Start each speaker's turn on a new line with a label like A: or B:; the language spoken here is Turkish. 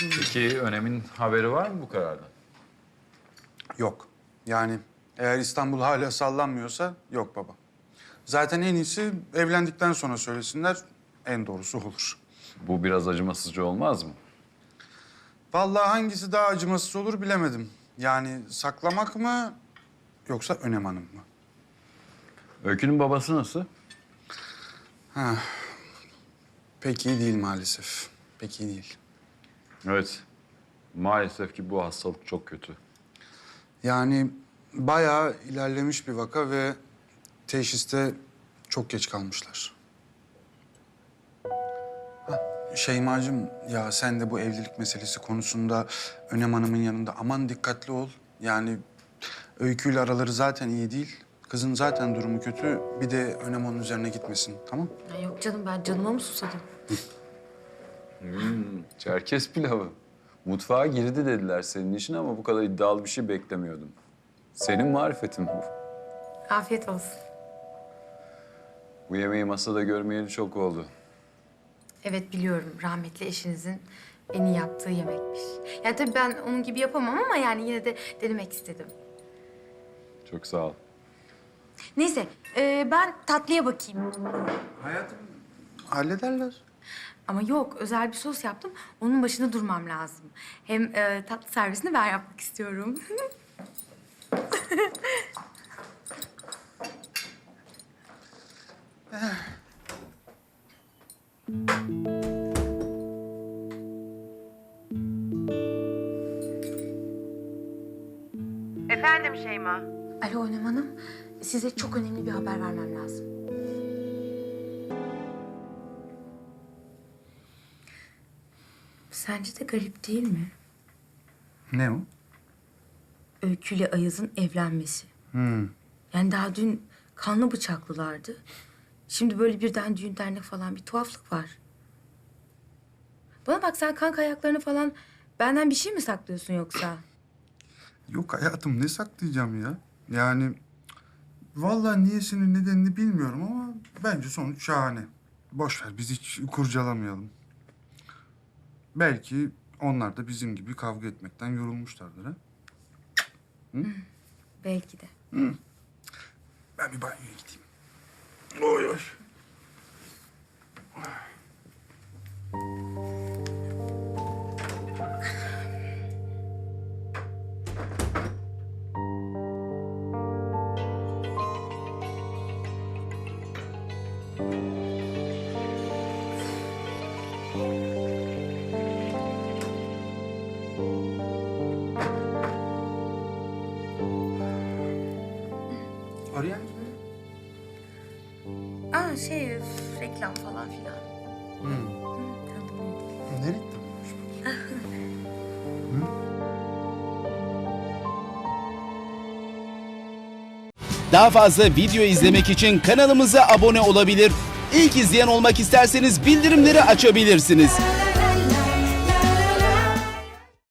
A: Peki Önem'in haberi var mı bu karardan?
B: Yok. Yani eğer İstanbul hala sallanmıyorsa yok baba. Zaten en iyisi evlendikten sonra söylesinler, en doğrusu olur.
A: Bu biraz acımasızca olmaz mı?
B: Vallahi hangisi daha acımasız olur bilemedim. Yani saklamak mı yoksa Önem Hanım mı?
A: Öykü'nün babası nasıl?
B: Pek iyi değil maalesef. Pek iyi değil.
A: Evet. Maalesef ki bu hastalık çok kötü.
B: Yani bayağı ilerlemiş bir vaka ve teşhiste çok geç kalmışlar. Şeymacığım, ya sen de bu evlilik meselesi konusunda Önem Hanım'ın yanında aman dikkatli ol. Yani Öykü'yle araları zaten iyi değil. Kızın zaten durumu kötü. Bir de Önem onun üzerine gitmesin, tamam?
C: Ya yok canım, ben canıma mı susadım?
A: Çerkez pilavı. Mutfağa girdi dediler senin için ama bu kadar iddialı bir şey beklemiyordum. Senin marifetin bu.
C: Afiyet olsun.
A: Bu yemeği masada görmeyeli çok oldu.
C: Evet, biliyorum. Rahmetli eşinizin en iyi yaptığı yemekmiş. Yani tabii ben onun gibi yapamam ama yani yine de denemek istedim.
A: Çok sağ ol.
C: Neyse, ben tatlıya bakayım.
B: Hayatım, hallederler.
C: Ama yok, özel bir sos yaptım. Onun başında durmam lazım. Hem tatlı servisini ben yapmak istiyorum.
D: Efendim Şeyma.
C: Alo Önem Hanım, size çok önemli bir haber vermem lazım. Sence de garip değil mi?
B: Ne o?
C: Öykü ile Ayaz'ın evlenmesi. Yani daha dün kanlı bıçaklılardı. Şimdi böyle birden düğün dernek falan bir tuhaflık var. Bana bak, sen kanka ayaklarını falan benden bir şey mi saklıyorsun yoksa?
B: Yok hayatım, ne saklayacağım ya? Yani vallahi niyesini nedenini bilmiyorum ama bence sonuç şahane. Boş ver, biz hiç kurcalamayalım. Belki onlar da bizim gibi kavga etmekten yorulmuşlardır ha?
C: Belki de.
B: Ben bir banyoya gideyim. Oy oy. Arayan kim?
C: Aa reklam falan filan. Tanıdım beni.
B: Nereye gittin?
E: Daha fazla video izlemek için kanalımıza abone olabilir. İlk izleyen olmak isterseniz bildirimleri açabilirsiniz.